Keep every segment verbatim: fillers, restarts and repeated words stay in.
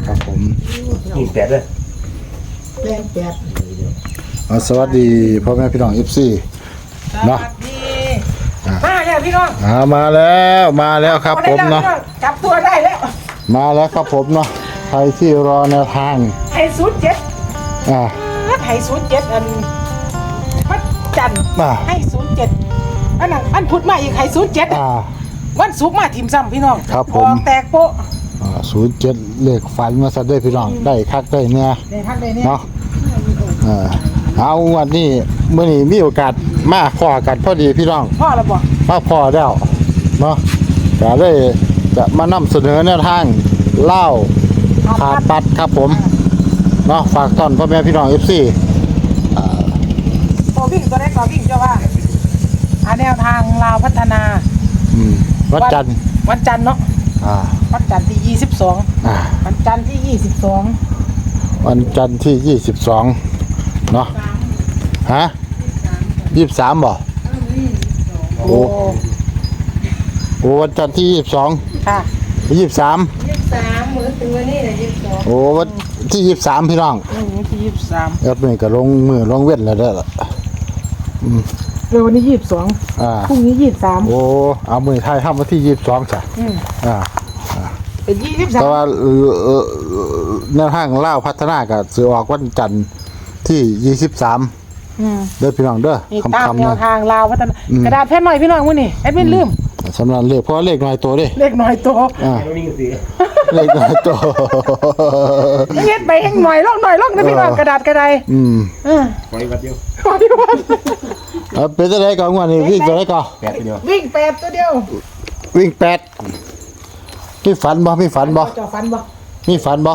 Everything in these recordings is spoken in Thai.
ครับผมยี่สิบแปดเลยแปดแปดสวัสดีพ่อแม่พี่น้องเอฟซีเนาะมาแล้วพี่น้องมาแล้วมาแล้วครับผมเนาะจับตัวได้แล้วมาแล้วครับผมเนาะใครที่รอแนวทางไทยศูนย์เจ็ดอ่าไทยศูนย์เจ็ดอันวันจันทร์ให้ศูนย์เจ็ดอันนั้นอันพุธมาอีกไทยศูนย์เจ็ดวันศุกร์มาทีมซ้ำพี่น้องครับผมแตกโป๊ะศูนย์เจ็ดเลขฝันมาซะด้วยพี่น้องได้คักได้เนี่ยได้คักได้เนี่ยเนาะเอาวันนี้เมื่อนี้มีโอกาสมาพอกันพอดีพี่น้องพ่อแล้วบ่มาพอแล้วเนาะก็เลยจะมานำเสนอแนวทางเล่าขาดปัดครับผมเนาะฝากต้อนพ่อแม่พี่น้องเอฟซีพอวิ่งตัวแรกก็วิ่งเจ้าว่าแนวทางลาวพัฒนาวันจันทร์วันจันทร์เนาะวันจันทร์ที่ยี่สิบสองวันจันทร์ที่ยี่สิบสองวันจันทร์ที่ยี่สิบสองเนาะฮะยี่สิบสามบ่โอ้โอ้วันจันทร์ที่ยี่สิบสองค่ะยี่สิบสามยี่สิบสามเหมือนตัวนี้เลยยี่สิบสองโอ้วันที่ยี่สิบสามพี่น้องที่ยี่สิบสามเอ็ดนี่ก็ลงมือลงเว้นแล้วเด้อเร็ววันนี้ยี่สิบสองพรุ่งนี้ยี่สิบสามโอ้เอามือไทยทำมาที่ยี่สิบสองจ้ะอ่าเป็นยี่สิบสามแต่ว่าแนวทางเล่าพัฒนากับสือออกวันจันทร์ที่ยี่สิบสามเด้อพี่น้องเด้อคำคำแนวทางลาวพัฒนากระดาษแผ่นหน่อยพี่น้องมื้อนี้แอดมินลืมสำหรับเลขเพราะเลขน้อยตัวดิเลขน้อยตัวเลขน้อยตัวเฮ็ดไปเองหน่อยลอกหน่อยลอกนะพี่น้องกระดาษกระไดอืมเออไว้วัดเดียวไว้วัดเอาเป็นตัวไหนก่อนวันนี้วิ่งตัวไหนก่อนแปดตัวเดียววิ่งแปดตัวเดียววิ่งแปดมีฝันบ่มีฝันบ่จะฝันบ่มีฝันบ่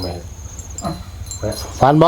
ฝันบ่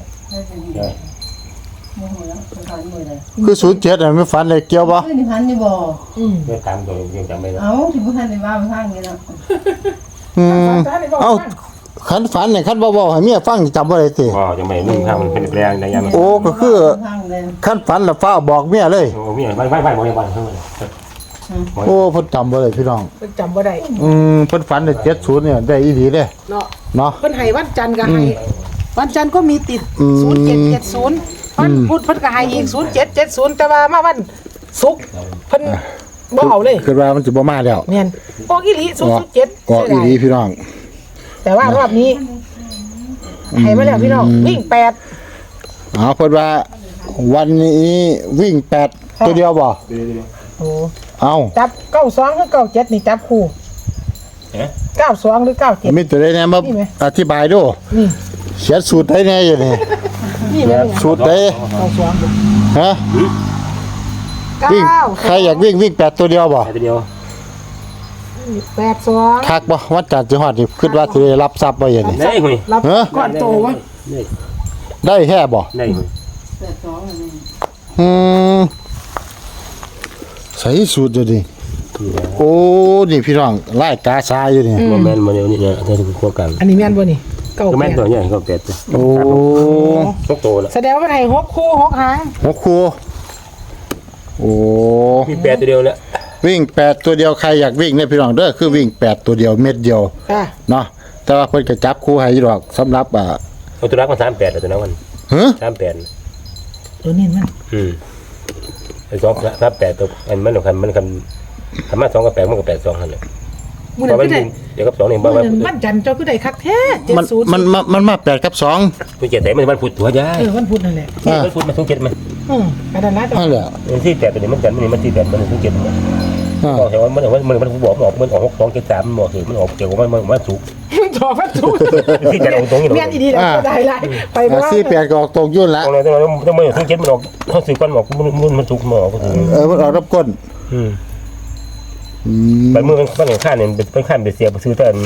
คือศูนย์เจ็ดอ่ะไม่ฝันเลยเกี่ยวบ่คือฝันอยู่บ่อืมไม่ตามตัวยังจำไม่ได้เอ้าถึงบ่ทันได้ว่าทางนี้แล้วอืมเอ้าคันฝันเนี่ยคันบ่ๆให้เมียฟังจำบ่ได้ติบ่ยังไม่นึ่งทางมันเป็นแปลงได้ยังโอ้ก็คือคันฝันแล้วฟ้าบอกเมียเลยโอ้เมียไม่ไม่ไม่บ่ได้บ่เท่านั้นโอ้เพิ่นจำบ่ได้พี่น้องเพิ่นจำบ่ได้อืมเพิ่นฝันได้เจ็ดศูนย์เนี่ยได้อีหลีเด้เนาะเนาะเพิ่นให้วันจันทร์ก็ให้วันจันทร์ก็มีติดศูนย์เจ็ดเจ็ดศูนย์วันพุธเพิ่นก็ให้อีกศูนย์เจ็ดเจ็ดศูนย์แต่ว่ามาวันศุกร์เพิ่นบ่เอาเลยคือว่ามันสิบ่มาแล้วแม่นออกอีหลีศูนย์เจ็ดออกอีหลีพี่น้องแต่ว่ารอบนี้ให้มาแล้วพี่น้องวิ่งแปดอ๋อเพิ่นว่าวันนี้วิ่งแปดตัวเดียวบ่โอ้เอาจับเก้าสองหรือเก้าเจ็ดนี่จับคู่เก้าสองหรือเก้าเจ็ดมีตัวใดแน่มาอธิบายดูนี่เขียนสูตรได้แน่อยู่นี่สูตรได้ฮะวิ่งใครอยากวิ่งวิ่งแปดตัวเดียวบ่ตัวเดียวแปดสองคักบ่วันจันทร์สิฮอดนี่คิดว่าสิได้รับทรัพย์บ่อย่างนี้ได้หุ้ยรับก่อนโตวะได้แค่บ่ได้หุ้ยแปดสองอืมใส่สูตรดิโอ้นี่พี่น้องไล่กาซาอยู่นี่บ่แม่นบ่เดี๋ยวนี้เนี่ยถ้าถึงคั่วกันอันนี้แม่นบ่นี่เก้าแม่นตัวใหญ่เก้าแปดโอ้หกโตแล้วแสดงว่าให้หกคู่หกหางหกคู่โอ้มีแปดตัวเดียวแล้ววิ่งแปดตัวเดียวใครอยากวิ่งเนี่ยพี่น้องเด้อคือวิ่งแปดตัวเดียวเม็ดเดียวเนาะแต่ว่าเพิ่นก็จับคู่ให้อยู่ดอกสำหรับอ่าเอาตัวรักมาสามแปดตัวนั้นมันฮะสามแปดตัวนี้มันอืมไอ้สองสามแปดตัวอันมันคันมันคันทำมาสองกับแปดมันก็แปดสองหั่นแหละมันก็ได้เดี๋ยวกับสองนี่บ่ว่ามันจันทร์เจ้าคือได้คักแท้มันมันมันมาแปดกับสองผู้เจ็ดแต่มันมันพุธตัวใหญ่เออมันพุธนั่นแหละมันพุธมันสองเจ็ดมันอืมอันนั้นนะนั่นแหละมันที่แปดตัวนี้มันจันทร์มันมันที่แปดมันสองเจ็ดมันบอกแต่ว่ามันมันมันบอกมันออกมันออกหกสองเจ็ดสามมันบอกเหตุมันออกเกี่ยวกับมันมันมันถูกจอมันถูกที่จะออกตรงนี้เมียนดีๆแล้วได้ไรไปว่าสี่แปดก็ออกตรงยุ่นละตรงนี้ต้องต้องมันสองเจ็ดมันออกเขาสื่อกันบอกมันมันถูกมันออกเออมันออกรับก้นอืมบางเมื่อมันมันข้านเนี่ยเป็นข้านไปเสียไปซื้อต้น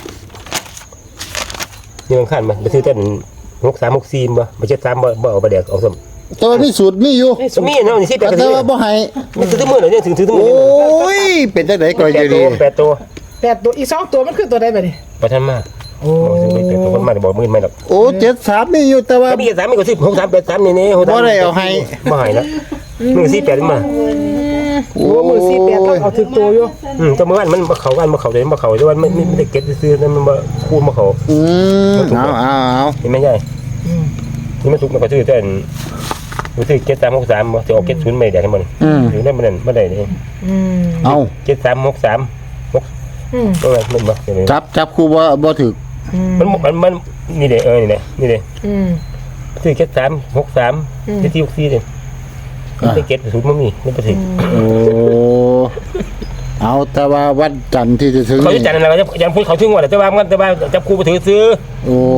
นี่มันข้านมาไปซื้อต้นหกสามหกสี่บ่ไปเจ็ดสามบ่บ่เอาไปเด็กเอาสมแต่ว่ามีสูตรมีอยู่มีเนาะนี่สิแปดแต่ว่าบ่ให้มันซื้อมือเนี่ยถึงซื้อมือโอ้ยเป็นจังได๋ก็อยู่ดีแปดตัวแปดตัวอีกสองตัวมันคือตัวใดบัดนี้บ่ทันมาโอ้ซื้อไปแปดตัวมันมาบ่มื้อไม่ดอกโอ้เจ็ดสามมีอยู่แต่ว่ามีสามมีก็สิบหกสามแปดสามนี่ๆบ่ได้เอาให้บ่ให้แล้วมึงสิแปดมาโอ้มือสี่แปดต้องเอาถึงตัวอยู่อืมแต่เมื่อวานมันมาเขากันมาเขาเลยมาเขาแต่ว่าไม่ไม่ได้เก็ตซื้อนั่นมันมาคูณมาเขาอืมเอาเอาเอาเห็นไหมใช่นี่มันถูกมันก็ซื้อแต่รู้สึกเก็ตสามหกสามจะออกเก็ตศูนย์ไม่ได้ทั้งหมดอืมถึงได้มันนั่นไม่ได้นี่อืมเอาเก็ตสามหกสามหกอืมก็มันมาเห็นไหมจับจับครูบ่บ่ถึกอืมมันมันมันนี่เด้เออนี่เด้นี่เด้อืมซื้อเก็ตสามหกสามเจ็ดที่หกสี่เด้ไม่เก็ตศูนย์มันมีไม่ไปถึงโอ้เอาแต่ว่าวันจันทร์ที่จะถึงเขาจะจัดอะไรจะยังพูดเขาถึงว่าแต่ว่ามันแต่ว่าจับครูไปถือซื้อโอ้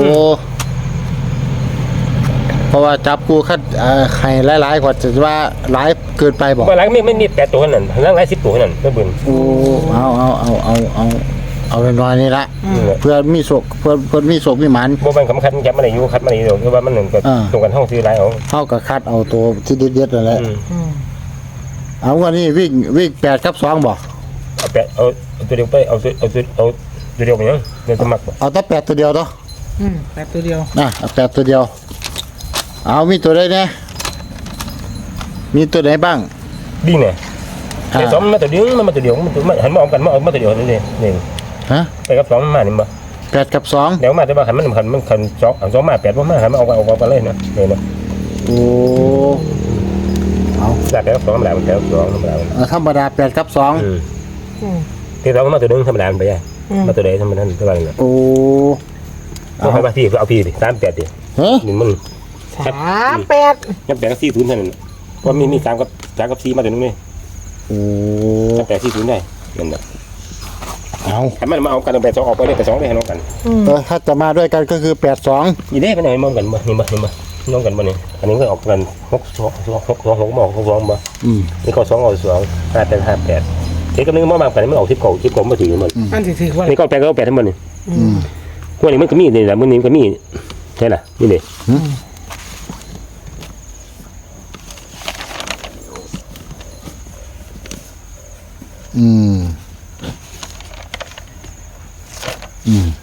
เพราะว่าจับครูคัดเอ่อให้หลายๆกว่าจะว่าหลายเกินไปบ่เมื่อหลังไม่ไม่มีแปดตัวนั่นหลังหลายสิบตัวนั่นไม่เบิ่นโอ้เอาเอาเอาเอาเอาเอาน้อยๆนี่ละนี่แหละเพื่อมีโศกเพื่อเพื่อมีโศกมีหมันบ่มันสำคัญจับมาได้อยู่คัดมาได้อยู่คือว่ามันหนึ่งก็อ่าตรงกันห้องซื้อหลายเอาเท่ากับคัดเอาตัวที่เด็ดๆนั่นแหละอืมอืมเอาวันนี้วิ่งวิ่งแปดกับสองบ่เอาแปดเอาเอาตัวเดียวไปเอาตัวเอาตัวเอาตัวเดียวไปยังเดี๋ยวสมัครบ่เอาแต่แปดตัวเดียวเนาะอืมแปดตัวเดียวนะเอาแปดตัวเดียว เอามีตัวใดเนี่ยมีตัวไหนบ้างดีเนี่ยไอ้สองมันมาตัวเดียวมันมาตัวเดียวมันตัวหันมาเอากันมาเอามาตัวเดียวนี่นี่นี่ฮะไปกับสองมันมานี่บ่แปดกับสองเดี๋ยวมาแต่ว่าหันมันหันมันหันสองเอาสองมาแปดบ่มาหันมาเอาเอาเอากันเลยนะนี่นะโอ้เอาแปดกับสองธรรมดามันแปดกับสองธรรมดามันเอาธรรมดาแปดกับสองอืมอืมที่สองมาตัวนึงธรรมดามันไปยังอืมมาตัวใดธรรมดาตัวอะไรเนี่ยโอ้เอาไปพี่เอาพี่ดิสามแปดดิฮะนี่มันสามแปดยังแปดกับสี่ศูนย์เท่านั้นเพราะมีมีสามกับสามกับสี่มาตัวนึงนี่โอ้แปดสี่ศูนย์ได้นั่นแหละเอาถ้ามันมาเอากันแปดสองออกไปเลยแปดสองได้ให้น้องกันอืมเออถ้าจะมาด้วยกันก็คือแปดสองยี่เด้ไปไหนมองกันบ่นี่บ่นี่บ่น้องกันบ่นี่อันนี้ก็ออกกันหกสองหกหกสองหกมองหกสองบ่อืมนี่ก็สองเอาสองห้าแปดห้าแปดเด็กกับนึงมองบางกันไม่ออกสิบเก้าสิบเก้ามาถึงหมดอันที่ถือว่านี่ก็แปดก็แปดทั้งหมดนี่อืมวันนี้มันก็มีนี่แหละมื้อนี้มันก็มีใช่ล่ะนี่เด้อืมอืม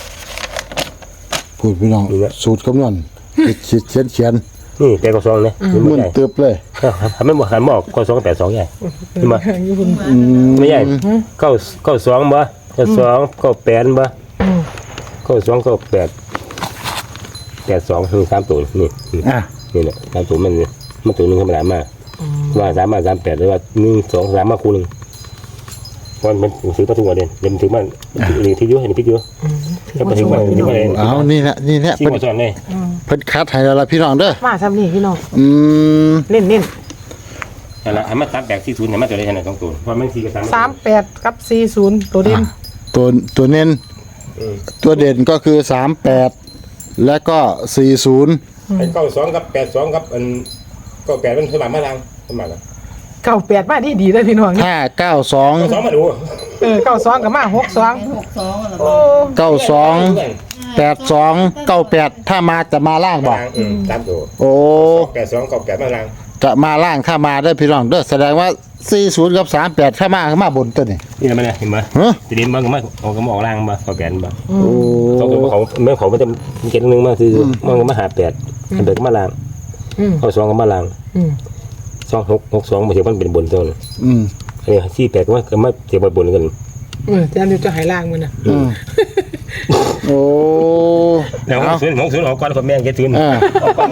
พูดพี่น้องสูตรคำนวณเขียนเขียนเขียนนี่แปดก็สองนี่นี่มึมันนใหญ่เติบเลยทำไม่หมดหันมาออกก็สองแปดสองใหญ่นี่มาอืมไม่ใหญ่เก้าเก้าสองบ่เก้าสองเก้าแปดบ่เก้าสองเก้าแปดแปดสองคือสามตัวนี่อ่ะนี่แหละสามตัวมันมันตัวนึงธรรมดามาว่าสามมาสามแปดหรือว่าหนึ่งสองสามมาคู่หนึ่งวันมันซื้อประตูเด่นเด่นถือมันนี่ที่เยอะเห็นที่เยอะแล้วมาถึงมันที่มันเอานี่แหละนี่แหละที่เพิ่นมาสอนเลยเพิ่นคัดให้แล้วล่ะพี่น้องเด้อมาทำนี่พี่น้องอืมเน้นเน้นนั่นแหละให้มันสามแปดสี่ศูนย์ให้มันตัวได้ขนาดสองตัวเพราะมันสี่กับสามสามแปดกับสี่ศูนย์ตัวเด่นตัวตัวเน้นตัวเด่นก็คือสามแปดและก็สี่ศูนย์ไอ้เก้าสองกับแปดสองกับอันเก้าแปดมันสมัครมาลังสมัครเก้าแปดมาดีดีเลยพี่น้องห้าเก้าสองเก้าสองมาดูเออเก้าสองกับมาหกสองหกสองอะไรโอ้เก้าสองแปดสองเก้าแปดถ้ามาจะมาล่างบ่ลังอืมสามตัวโอ้แปดสองเก้าแปดมาลังจะมาล่างถ้ามาได้อพี่น้องเด้อแสดงว่าสี่ศูนย์กับสามแปดถ้ามาก็มาบนตัวนี่นี่แหละมันเห็นไหมฮะทีนี้มันก็มาเอาก็มาออกล่างมาเก้าแปดมาโอ้สองตัวเขาเมื่อเขามันจะเก็ตนึงมาคือมันก็มาหาแปดแปดก็มาลังอืมเก้าสองก็มาลังอืมสองหกหกสองมาเทียบมันเป็นบนตัวนึงอืมอันนี้สี่แปดก็มาก็มาเทียบบนกันเออจะเดี๋ยวจะหายล่างมันนะอืมโอ้แล้วหเอากศูนย์หกศูนย์ออกก่อนคนแม่งเก็ตศูนย์อ่า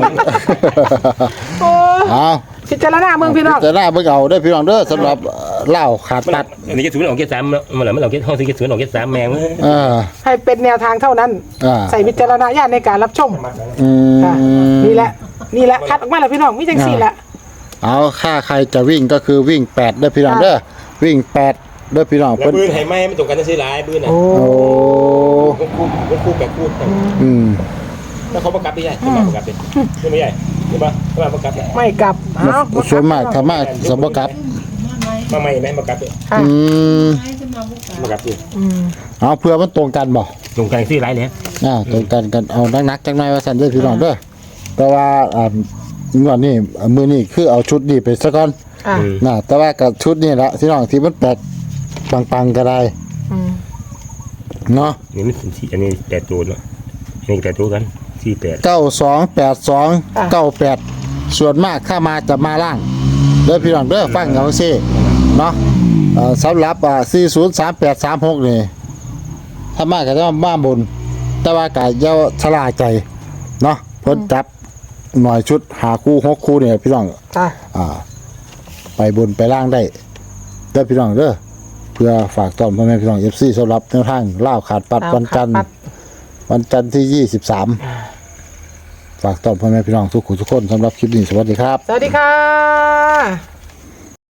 โอ้เอาพิจารณาเมืองพี่น้องจะหน้าเบิ่งเอาเด้อพี่น้องเด้อสำหรับเอ่อเหล้าขาดมันตัดอันนี้เก็ตศูนย์ออกเก็ตสามมันเหรอมันออกเก็ตห้องสี่เก็ตศูนย์ออกเก็ตสามแมงเออให้เป็นแนวทางเท่านั้นอ่าใส่วิจารณญาณในการรับชมอืมค่ะนี่แหละ นี่แหละคัดออกมาแล้วพี่น้องมีจังสี่แหละเอาค่าใครจะวิ่งก็คือวิ่งแปดเด้อพี่น้องเด้อวิ่งแปดเด้อพี่น้องแล้วเพิ่นปืนไห้ไหมไม่ตรงกันจะซื้อหลายปืนอ่ะโอ้โอ้คู่คู่คู่แปดคู่อืมแล้วเขาประกับไม่ใช่ไม่มาประกับเป็นไม่ใช่ใช่ปะไม่มาประกับไม่กลับเอาส่วนมากถ้ามาสมบกับมาไม่ไหมประกับค่ะอืมให้จะมาบุกกันประกับอยู่อืมเอาเพื่อมันตรงกันบ่ตรงกันซื้อหลายเลยอ่าตรงกันกันเอานักๆจังหน่อยว่าซั่นเด้อพี่น้องเด้อแต่ว่าอ่างวดนี้มื้อนี้คือเอาชุดนี้ไปซะก่อนอ่ะน่ะแต่ว่ากับชุดนี้ละพี่น้องที่มันแปดปังๆก็ได้อืมนเนาะี่มันสี่อันนี้แปดตัวเนาะอันนี้แปดตัวกันสี่แปดเก้าสองแปดสองเก้าแปดส่วนมากถ้ามาจะมาล่างอเด้อพี่น้องเด้อฟังเอาซิเนาะเอ่อสำหรับอ่าสี่ศูนย์สามแปดสามหกนี่ถ้ามาก็จะมาบน แต่ว่าก็อย่าชะล่าใจเนาะเพิ่นจับหน่อยชุดหาคู่หกคู่เนี่ยพี่น้องจ้ะอ่า ไปบนไปล่างได้เด้อพี่น้องเด้อเพื่อฝากต้อนพ่อแม่พี่น้อง เอฟ ซี สำหรับแนวทางล่าวขาดปัดวันจันทร์วันจันทร์ที่ยี่สิบสามฝากต้อนพ่อแม่พี่น้องทุกคนทุกคนสำหรับคลิปนี้สวัสดีครับสวัสดีค่ะ